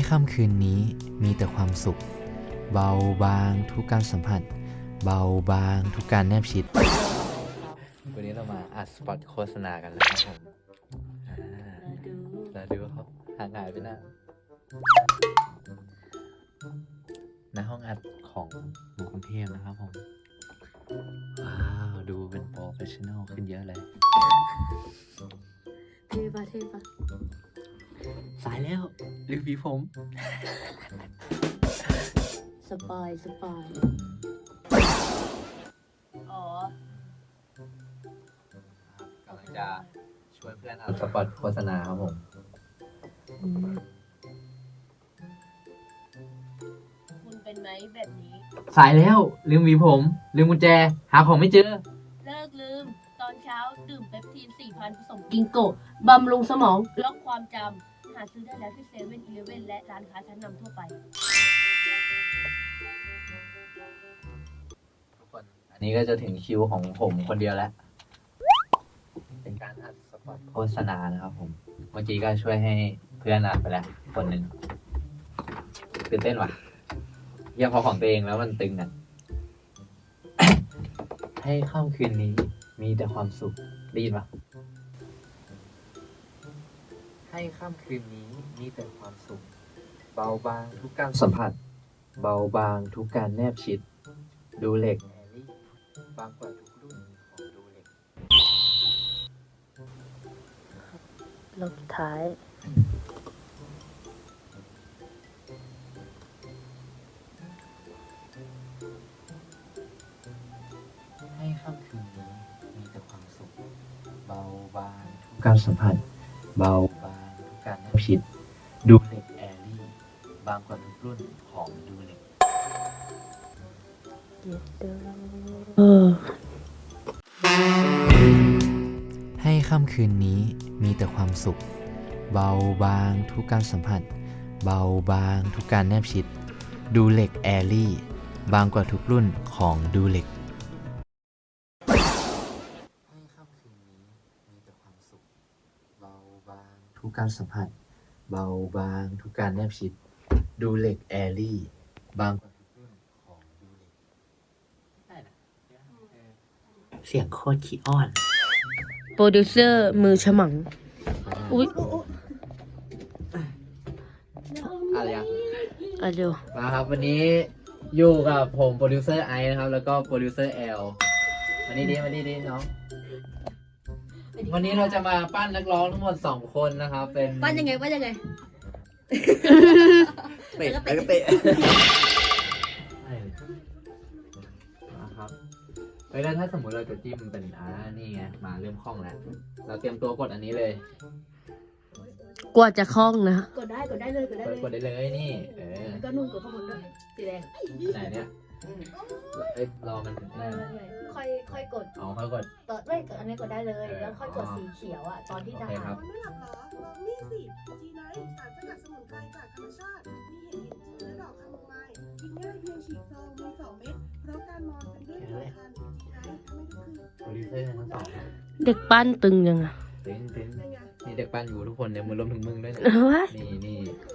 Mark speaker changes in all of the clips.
Speaker 1: ค่ำคืนนี้มีแต่ความสุขเบาบางทุกการสัมผัสเบาบางทุกการแนบชิดวันนี้เรามาอัดสปอตโฆษณากันนะครับผมแล้วดูเขาห่างหายไปนานในห้องอัดของกรุงเทพนะครับผมว้าวดูเป็นโปรเฟชชั่นอลขึ้นเยอะเลย
Speaker 2: เท่ปะ
Speaker 1: สายแล้วรีวิวผม
Speaker 2: สปอยอ๋อก
Speaker 1: ำลังจะช่วยเพื่อนอัดสปอตโฆษณาครับผม
Speaker 2: คุณเป็นไหมแบบนี้
Speaker 1: สายแล้วลืมหวีผมลืมกุญแจหาของไม่เจอ
Speaker 2: เลิกลืมตอนเช้าดื่มเปปทีน 4,000 ผสมกิงโกะบำรุงสมองล็อกความจำหาซื้อได้แล้วที่7-Eleven และร้านค้าชั้นนำทั่วไป
Speaker 1: ทุกคนอันนี้ก็จะถึงคิวของผมคนเดียวแล้วเป็นการอัดสปอตโฆษณานะครับผมเมื่อกี้ก็ช่วยให้เพื่อนอัดไปแล้วคนหนึ่งตื่นเต้นว่ะเยี่ยมพอของตัวเองแล้วมันตึงอ่ะ ให้ค่ำคืนนี้มีแต่ความสุขได้ยินปะให้ค่ำคืนนี้มีแต่ความสุขเบาบางทุกการสัมผัสเบาบางทุกการแนบชิดดูเหล็กแอรี่บางกว่าทุกรุ่นของดูเหล็ก
Speaker 2: ลบท้าย
Speaker 1: ให้ค่ำคืนนี้มีแต่ความสุขเบาบางทุกการสัมผัสเบาบางทุกการแนบชิดดูเหล็กแอรี่บางกว่าทุกรุ่นของดูเหล็กให้ค่ำคืนนี้มีแต่ความสุขเบาบางทุกการสัมผัสเบาบางทุกการแนบชิดดูเหล็กแอรี่บางกว่าทุกรุ่นของดูเหล็กให้ค่ำคืนนี้มีแต่ความสุขเบาบางทุกการสัมผัสเบาบางทุกการแนบชิดดูเหล็กแอรี่บางกว่าทุกรุ่นของดูเหล็กเสียงโคตรขี้อ้อน
Speaker 2: โปรดิวเซอร์มือฉมังอุ๊ย
Speaker 1: อะไรอ่ะ
Speaker 2: เร็ว
Speaker 1: มาครับวันนี้อยู่กับผมโปรดิวเซอร์ไอซ์นะครับแล้วก็โปรดิวเซอร์แอลวันนี้ดีน้องวันนี้เราจะมาปั้นนักร้องทั้งหมด2คนนะครับเป็น
Speaker 2: ปั้นยังไง
Speaker 1: เตะแล้วก็เตะนะครับแล้วถ้าสมมติเราจะจิ้มเป็นนี่ไงมาเริ่มคล่องแล้วเราเตรียมตัวกดอันนี้เลย
Speaker 2: กว่าจะคล่องนะ
Speaker 3: กดได้เลย
Speaker 1: กดได้เลยนี่
Speaker 3: ก็นุ่นกดข้างบนด้วยสีแดง
Speaker 1: ไหนเนี่ยรอมัน
Speaker 3: ค่อยกด
Speaker 1: ค่อยกด
Speaker 3: ต่อไม่กดอันนี้กดได้เลยแล้วค่อยกดสีเขียวอ่ะตอนที่จะหา
Speaker 4: ไม่หลับเหรอลองนี่สิจีไนท์สารสกัดสมุนไพรจากธรรมชาติมีเห็ดลินจือและดอกคาโมไมล์กินง่ายเพียงฉีกซองมี2 เม็ดเพราะการนอนเป็นเรื่องสำคัญจีไนท์ทำให้ทุกคืน
Speaker 1: โปรดิวเซอร์ทั้งสอง
Speaker 2: เด็กปั้นตึงยังอ่ะ
Speaker 1: ตึงนี่เด็กปั้นอยู่ทุกคนเนี่ยมือรวมถึงมึงด้วยนี่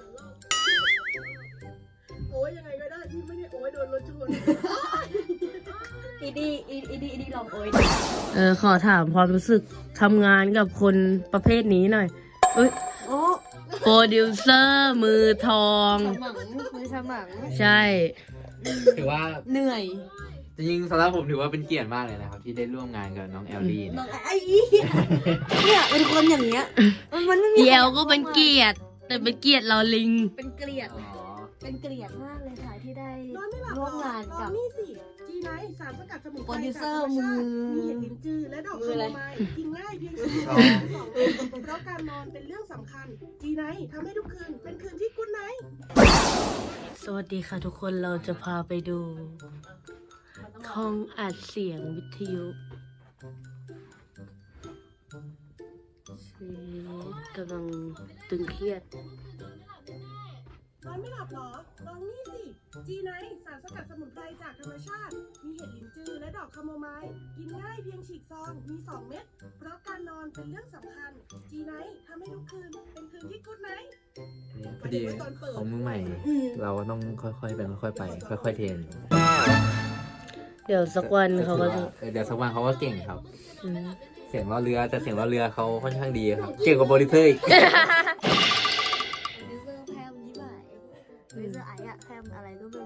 Speaker 4: โอ้ยยังไงก็ได้ที่ไม่ได้โอ้ยโดนรถชน
Speaker 3: อีดีลองโอ้ย
Speaker 2: ขอถามความรู้สึกทำงานกับคนประเภทนี้หน่อยโปรดิวเซอร์มือทอง
Speaker 3: มือฉมัง
Speaker 2: ใช่
Speaker 1: ถือว่า
Speaker 3: เหนื่อย
Speaker 1: จริงๆสำหรับผมถือว่าเป็นเกียรติมากเลยนะครับที่ได้ร่วมงานกับน้องแอลลี่
Speaker 3: น้องไอ้เนี่ยเป็นคนอย่างเงี้ยมันไม่มี
Speaker 2: แอลก็เป็นเกียรติแต่เป็นเกียรติเราลิง
Speaker 3: เป็นเกียรติมากเลยค่ะที่ได้ร่วมงานกับ
Speaker 4: นี่สิจีไนท์สารสกัดสมุนไพร
Speaker 3: โปรดิวเซอร์มือ
Speaker 4: มีเห็ดลินจือและดอกคาโมไมล์กินง่ายเพียง2 เพราะการนอนเป็นเรื่องสำคัญจีไนท์ทำให้ทุกคืนเป็นคืนที่กุ๊ดไนท์
Speaker 2: สวัสดีค่ะทุกคนเราจะพาไปดูห้องอัดเสียงวิทยุชีวิตกำลังตึงเครียด
Speaker 4: นอนไม่หลับเหรอลองนี่สิจีไนท์สารสกัดสมุนไพรจากธรรมชาติมีเห็ดลินจือและดอกคาโมไมล์กินง่ายเพียงฉีกซองมี2 เม็ดเพราะการนอนเป็นเรื่องสำคัญจีไนท์ทำให้ทุกคืนเป็นคืนที่กุ๊ดไนท์
Speaker 1: พอดีของมือใหม่ เราก็ต้องค่อยๆเป็นค่อยๆไป ค่อยๆเทรน
Speaker 2: เดี๋ยวสักวันเขาก็จะ
Speaker 1: เดี๋ยวสักวันเขาก็เก่งครับ
Speaker 2: อืม
Speaker 1: เสียงล้อเรือแต่เสียงล้อเรือเขาค่อนข้างดีครับ เก่งกว่าโปรดิวเซอร์อีก
Speaker 3: โปรดิวเซอร์แพมยี่บ่ายโปรดิวเซอร์ไอ้อะแพมอะไรก็ไม่รู้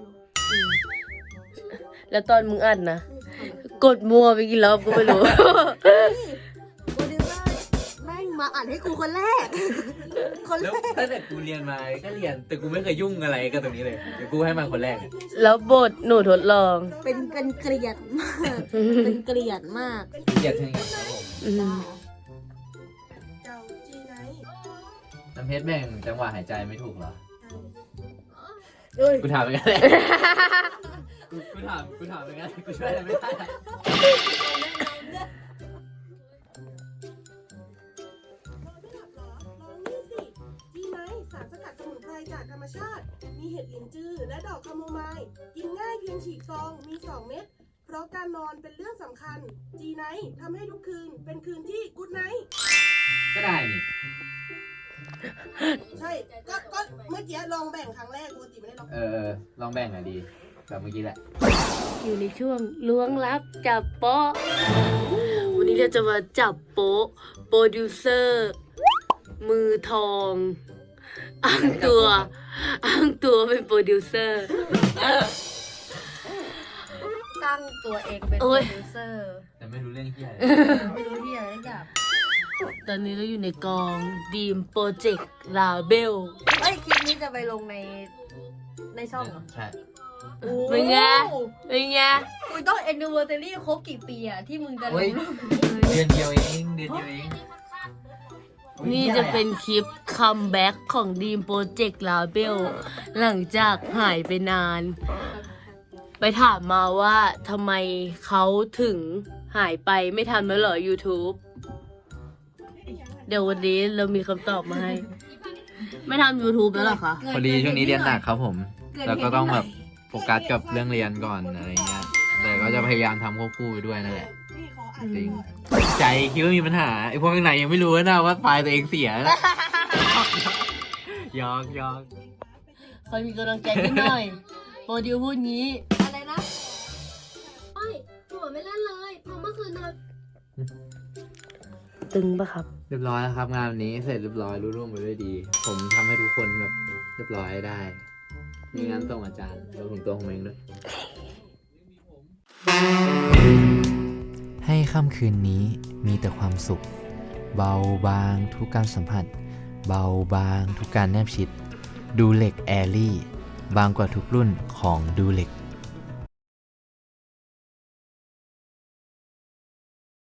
Speaker 2: แล้วตอนมึงอัดนะ กดมัวไปกี่รอบก็ไม่รู้
Speaker 3: โปรดิวเซอร์แม่งมาอ่านให้กูคนแรก คน
Speaker 1: แล้ว
Speaker 3: แรก
Speaker 1: ตั้งแต่กูเรียนมาก็เรียน แต่กูไม่เคยยุ่งอะไรกับตรงนี้เลย เดี๋ยวกูให้มันคนแรก
Speaker 2: แล้วบทหนูทดลอง
Speaker 3: เป็นเกลียดมาก เป็นเกลียดมาก
Speaker 1: เกลียดเช่นกันครับผม
Speaker 2: อืม
Speaker 4: เจ้าจีไนท์
Speaker 1: น้ำเพชรแบ่งจังหวะหายใจไม่ถูกเหรอ
Speaker 3: เอ้ย
Speaker 1: กูถามไปกันเลยกูถามไปกันกูช่วยอะไรไม่ได้
Speaker 4: นอนไม่หลับเหรอ ลองนี่สิ จีไนท์สารสกัดสมุนไพรจากธรรมชาติ มีเห็ดหลินจือและดอกคาโมไมล์กินง่ายเพียงฉีกซอง มี 2 เม็ด เพราะการนอนเป็นเรื่องสำคัญ จีไนท์ทำให้ทุกคืนเป็นคืนที่กูดไนท์
Speaker 1: ก็ได้นี่
Speaker 4: ใช่ ก็เมื่อกี้ลองแบ่งครั้งแรกปกติไม่ได้ลอง
Speaker 1: ลองแบ่งหน่อยดี แบบเมื่อกี้แหละ
Speaker 2: อยู่ในช่วงล้วงลับจับโป๊ะ วันนี้เราจะมาจับโป๊ะโปรดิวเซอร์ มือทอง อ้างตัวเป็นโปรดิวเซอร์
Speaker 3: ตั้งตัวเองเป็น
Speaker 2: โอ้
Speaker 3: โปร
Speaker 2: ย
Speaker 3: ดิวเซอร์
Speaker 1: แต่ไม่รู้เรื่องที่อะไร
Speaker 3: ไม่รู้ที่อะไรสักอย่าง
Speaker 2: ตอนนี้เราอยู่ในกองดีมโปรเจกต์ลาเบล
Speaker 3: เอ้ย คลิปนี้จะไปลงในช่องเหรอ
Speaker 1: ใช่
Speaker 2: เป็นไง เป็นไง
Speaker 3: กูต้องแอนนิเวอร์ซารี่ครบกี่ปีอะที่มึงจะล
Speaker 1: เฮ้ย
Speaker 3: งรูป
Speaker 1: เดือนเดียวเองเดือนเดียวเอง
Speaker 2: นี่จะเป็นคลิปคัมแบ็กของดีมโปรเจกต์ลาเบลหลังจากหายไปนาน ไปถามมาว่าทำไมเขาถึงหายไปไม่ทำแล้วเหรอ YouTube เดี๋ยววันนี้เรามีคำตอบมาให้ ไม่ทำ YouTube แล้วเหรอคะ
Speaker 1: พอดีช่วงนี้เรียนหนักครับผม แล้วก็ต้องแบบโฟกัสกับเรื่องเรียนก่อนอะไรเงี้ย แต่ก็จะพยายามทำควบคู่ไปด้วยนั่นแหละ
Speaker 4: นี่ขออ่าน
Speaker 1: จริง ใจคิดว่ามีปัญหาไอ้พวกข้างในยังไม่รู้นะว่าไฟล์ตัวเองเสียแล้วยอก
Speaker 2: คอยมีกำลังใจนิดหน่อย โปรดิวพูดงี้
Speaker 3: อะไรนะ
Speaker 2: หนูไม่เล่นเลยเพราะเมื่อคืนนอนตึงปะครับ
Speaker 1: เรียบร้อยแล้วครับ งานวันนี้เสร็จเรียบร้อยรุ่ร่วงไปด้วยดี ผมทำให้ทุกคนแบบเรียบร้อยได้ มีงานส่งอาจารย์รวมถึงตัวผมเองด้วย ให้ค่ำคืนนี้มีแต่ความสุข เบาบางทุกการสัมผัส เบาบางทุกการแนบชิด ดูเหล็กแอรี่บางกว่าทุกรุ่นของดูเหล็ก